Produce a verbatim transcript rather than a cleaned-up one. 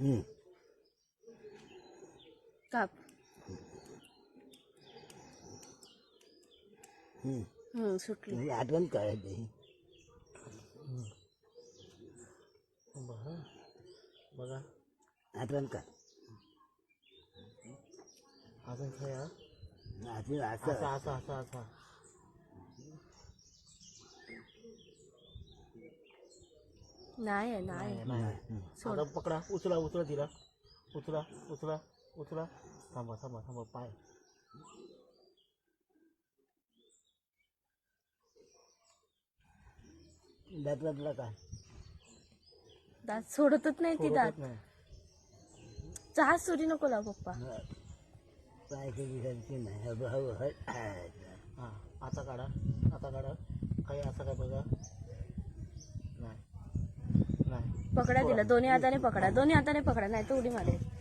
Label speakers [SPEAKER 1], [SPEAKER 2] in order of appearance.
[SPEAKER 1] हम्म.
[SPEAKER 2] काप.
[SPEAKER 1] हम्म.
[SPEAKER 2] हम्म सुटली.
[SPEAKER 1] म्हणजे आठवण काढायची.
[SPEAKER 3] बघा बघा
[SPEAKER 1] आठवण काढ.
[SPEAKER 3] अजून खेळा.
[SPEAKER 1] असं
[SPEAKER 3] असा
[SPEAKER 1] असं
[SPEAKER 3] असा असा असा
[SPEAKER 2] नाही आहे, नाही आहे.
[SPEAKER 3] नाही.
[SPEAKER 2] सोड.
[SPEAKER 3] आता पकडा, उचला उचला तिला, उचला उचला उचला. थांबा थांबा थांबा पाय.
[SPEAKER 1] दातला काय
[SPEAKER 2] दात सोडतच नाही ती दात.
[SPEAKER 3] सोडतच नाही.
[SPEAKER 2] चहा सुरी नको लाव पप्पा.
[SPEAKER 1] पाय कधी घालते नाही. हळू हळू हळ
[SPEAKER 3] हा आता काढा, आता काढा. काही असं काय बघा. नाही नाही
[SPEAKER 2] पकडा तिला दोन्ही हाताने पकडा, दोन्ही हाताने पकडा, नाही तर उडी मारेल.